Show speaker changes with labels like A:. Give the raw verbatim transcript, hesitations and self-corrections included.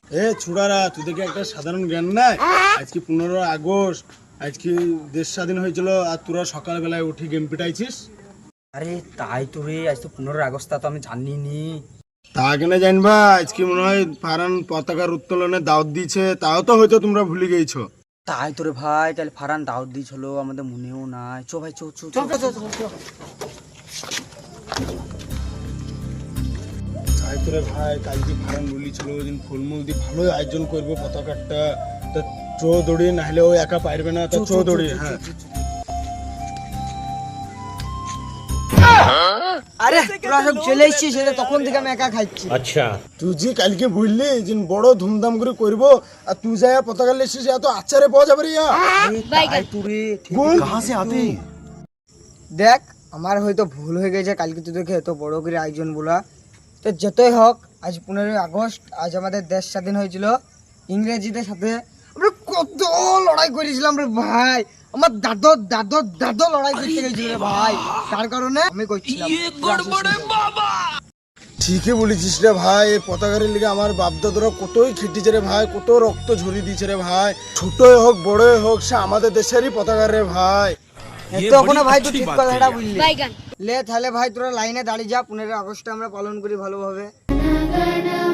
A: এ ছুড়ারা, তোদেরকে একটা সাধারণ জ্ঞান নাই? আজকে পনেরো আগস্ট, আজকে দেশ স্বাধীন হয়েছিল, আর তোরা সকালবেলায় উঠে গেম পিটাইছিস।
B: আরে তাই তো রে, আজ তো পনেরোই আগস্ট, তো আমি জানি নি।
A: তা কেন জানবা? আজকে মনে হয় ফারান পতাকার উত্তোলনে দাওয়াত দিয়েছে, তাও তো হয়তো তোমরা ভুলে গেছো।
B: তাই তো রে ভাই, তাহলে ফারান দাওয়াত দিয়েছিল, আমাদের মনেও নাই। চো ভাই, চো চো চো চো।
A: তাই তো রে ভাই, কালকে ফারান বলেছিল যে ফুলমুল দিয়ে ভালো আয়োজন করবো পতাকাটা, তা চো দৌড়ি, নাহলে ও একা পারবে না, তা চো দৌড়ি। হ্যাঁ
B: আরে তোরা সব চলে এসেছিস, সেটা তখন থেকে আমি একা খাচ্ছি।
C: अच्छा
A: তুই যে কালকে বললি যে বড় ধুমধাম করে করবো, আর তুই যাই পতাকা লেছিস, এত আচারে পাওয়া যাবে রে।
B: তাই তো রে,
A: কাহা সে আতে?
D: দেখ, আমার হয়তো ভুল হয়ে গেছে কালকে তোদেরকে এত বড় করে আয়োজন বলা। তো যতই হোক, আজ পনেরোই আগস্ট, আজ আমাদের দেশ স্বাধীন হয়েছিল ইংরেজিদের সাথে। আমরা কত লড়াই করেছিলাম রে ভাই, আমার দাদর দাদর দাদর লড়াই করতে গেছিল রে ভাই, তার কারণে আমি করছিলাম।
A: ঠিকই বলেছিস রে ভাই, এই পতাকার লিগে আমার বাপদাদরা কতই খেটেছে রে ভাই, কত রক্ত ঝরিয়ে দিয়েছে রে ভাই। ছোটই হোক বড়ই হোক, সে আমাদের দেশেরই পতাকা রে ভাই।
D: তখন ভাই তুই ঠিক কথাটা বললি। লে তাহলে ভাই তোরা লাইনে দাঁড়িয়ে যা, পনেরোই আগস্ট আমরা পালন করি ভালোভাবে।